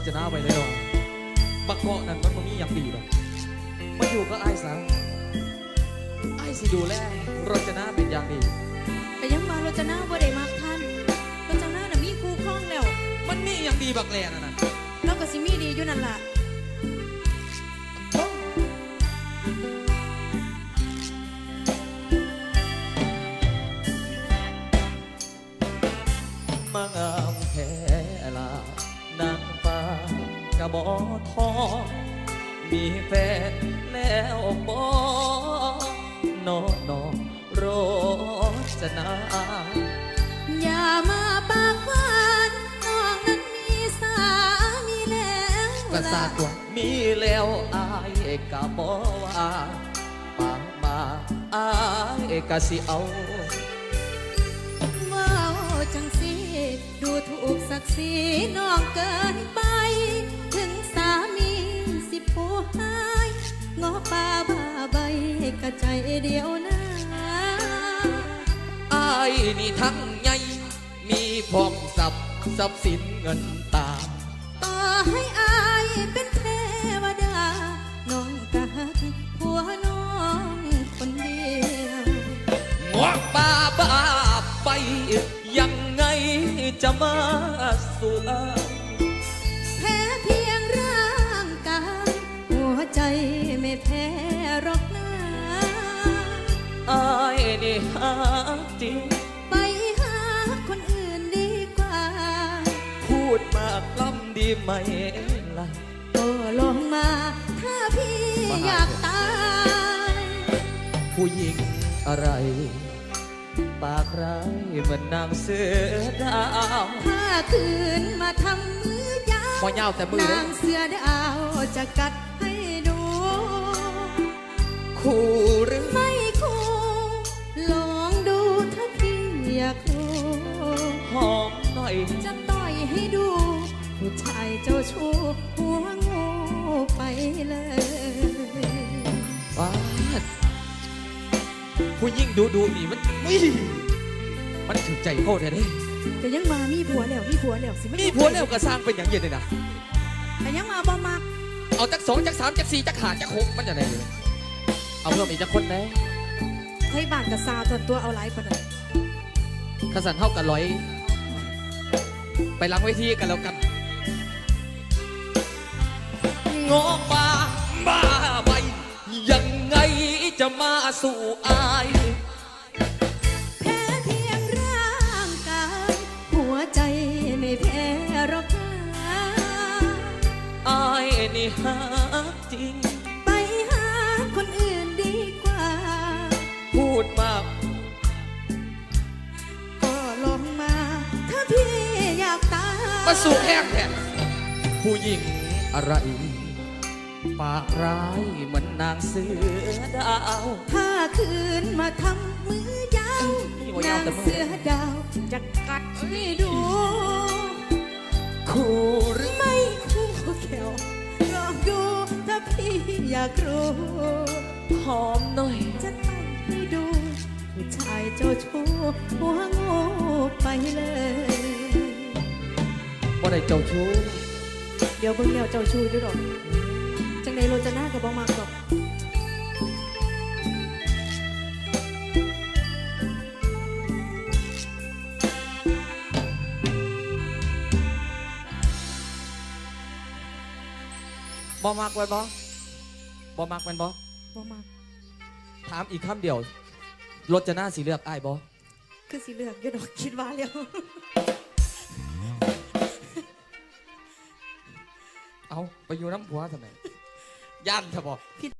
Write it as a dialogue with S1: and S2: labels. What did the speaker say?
S1: จะน่าไปเลยหรอบักเกาะนั่นมันมีอย่างดีหรอกมาอยู่ก็ไอ้สาวไอ้สิดูแลรจนาเป็นอย่างดี
S2: แต่ยังมาโรจนาบ่ได้มากท่านโรจนาน่ะมีคู่ครองแล้ว
S1: มันมีอย่างดีบักแลน่ะ
S2: เราก็สิมีดีอยู่นั่นล่ะ
S1: มางามแท้ลานางฟ้ากระบอกทองมีแฟนแล้วบ่นอโรจนา
S2: อย่ามาปากหวานน้องนั้นมีสามีแล้ว
S1: กระซาตัวมีแล้วอายกะบ่ว่าปากมาอายกะสิเอา
S2: ว้าวจังสิดูถูกศักดิ์ศรีน้องเกินไปถึงสามีสิผู้หายงอป่าบ้าใบกะใจเดียวนะ
S1: อายนี่ทั้งใหญ่มีพร้อมทรัพย์สินเงินตา
S2: ต่อให้อายเป็นเทวดาน้องกะหักผัวน้องคนเดียว
S1: งอกบ้าไปยังไงจะมาสู่
S2: แพ้เพียงร่างกายหัวใจไม่แพ้หรอกนะ
S1: อายนี่หาจริง
S2: ไปหาคนอื่นดีกว่า
S1: พูดมากล้ำดีไหมล่ะ
S2: ก็ลงมาถ้าพี่อยากตาย
S1: ผู้หญิงอะไรปากร้ายเหมือนนางเสือดาว
S2: ถ้าคืนมาทำมือยาวนางเสือดาวจะกัดให้ดู
S1: คู่หรือ
S2: ไม่คู่ลองดูถ้าพี่อยากรู้
S1: หอมหน่อย
S2: จะต่อยให้ดูผู้ชายเจ้าชู้หัวงูไปเลย
S1: ว้าผู้ยิ่งดูนี่มันถึงใจโคตรแท้
S2: ๆแต่ยังมามีผัวแล้วสิ
S1: มีผัวแล้วก็สร้างเป็นอย่างเย็นเลยนะ
S2: แต่ยังมาบ่มัก
S1: เอาจัก2จัก3จัก4จัก5จัก6มันจะไหนเลยเอาเพิ่มอีกจักคนแน่
S2: ให้บ้านกับซาตัวเอาไลฟ์ปะเนี่ย
S1: ขสันเท่ากัน100ไปล้างเวทีกันแล้วกันงอบ้าไปยังไงจะมาสู่อาย
S2: แพ้เพียงร่างกายหัวใจไม่แพ้หรอกนะ
S1: อายนี่หาจริง
S2: ไปหาคนอื่นดีกว่า
S1: พูดมาก
S2: ก็ลงมาถ้าพี่อยากตาย
S1: มาสู่แห้งแทนผู้หญิงอะไรปากร้ายเหมือนนางเสือดาว
S2: ถ้าคืนมาทำมือยาวนางเสือดาวจะกัดให้ดู
S1: คู่หรือ
S2: ไม่คู่แก้วลองดูถ้าพี่อยากรู้
S1: หอมหน่อย
S2: จะต่อยให้ดูผู้ชายเจ้าชู้หัวงูไปเลย
S1: ว่าได้เจ้าชู้
S2: เดี๋ยวเบิ่งแล้วเจ้าชู้อยู่หรอกจังในโรจนากับบ่มากดอก
S1: บ่มากไว้บ่มากเป็นบ่
S2: มาก
S1: ถามอีกคำเดียวโรจนาสีเลือกอ้ายบ่
S2: คือสีเลือกอยู่ดอกคิดว่าแล้ว
S1: เอาไปอยู่น้ำผัวทำไมย่านเถอะบ่